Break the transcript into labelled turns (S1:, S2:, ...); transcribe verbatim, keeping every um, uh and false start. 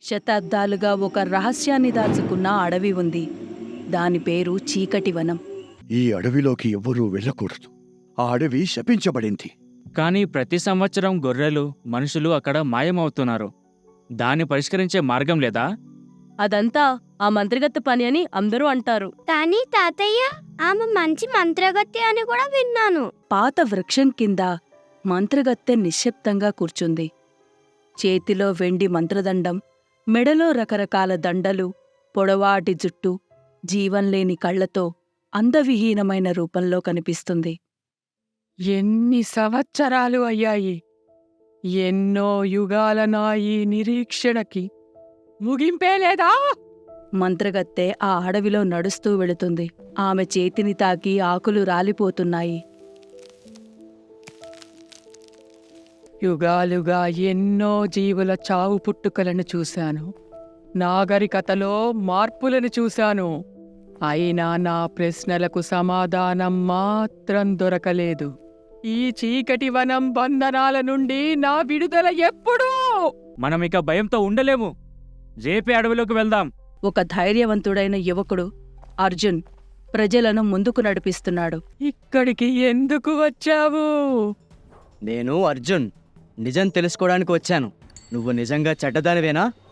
S1: శతాబ్దాలుగా ఒక రహస్యాన్ని దాచుకున్న అడవి ఉంది. దాని పేరు చీకటి వనం.
S2: ఈ అడవిలోకి ఎవ్వరూ వెళ్ళకూడదు. ఆ అడవి శపించబడింది.
S3: కానీ ప్రతి సంవత్సరం గొర్రెలు మనుషులు అక్కడ మాయమవుతున్నారు. దాన్ని పరిష్కరించే మార్గం లేదా?
S1: అదంతా ఆ మంత్రగత్తె పని అని అందరూ అంటారు.
S4: కానీ తాతయ్య, ఆమె మంచి మంత్రగత్తె అని కూడా విన్నాను.
S1: పాత వృక్షం కింద మంత్రగత్తె నిశ్శబ్దంగా కూర్చుంది. చేతిలో వెండి మంత్రదండం, మెడలో రకరకాల దండలు, పొడవాటి జుట్టు, జీవంలేని కళ్లతో అందవిహీనమైన రూపంలో కనిపిస్తుంది.
S5: ఎన్ని సంవత్సరాలు అయ్యాయి! ఎన్నో యుగాల నా ఈ నిరీక్షణకి ముగింపే లేదా?
S1: మంత్రగత్తె ఆ అడవిలో నడుస్తూ వెళుతుంది. ఆమె చేతిని తాకి ఆకులు రాలిపోతున్నాయి.
S5: యుగాలుగా ఎన్నో జీవుల చావు పుట్టుకలను చూశాను. నాగరికతలో మార్పులను చూశాను. అయినా నా ప్రశ్నలకు సమాధానం మాత్రం దొరకలేదు. ఈ చీకటి వనం బంధనాల నుండి నా విడుదల ఎప్పుడూ?
S3: మనమిక భయంతో ఉండలేము. రేపే అడవిలోకి వెళ్దాం.
S1: ఒక ధైర్యవంతుడైన యువకుడు అర్జున్ ప్రజలను ముందుకు నడిపిస్తున్నాడు.
S5: ఇక్కడికి ఎందుకు వచ్చావు?
S6: నేను అర్జున్, నిజం తెలుసుకోవడానికి వచ్చాను. నువ్వు నిజంగా చెడ్డదానివేనా?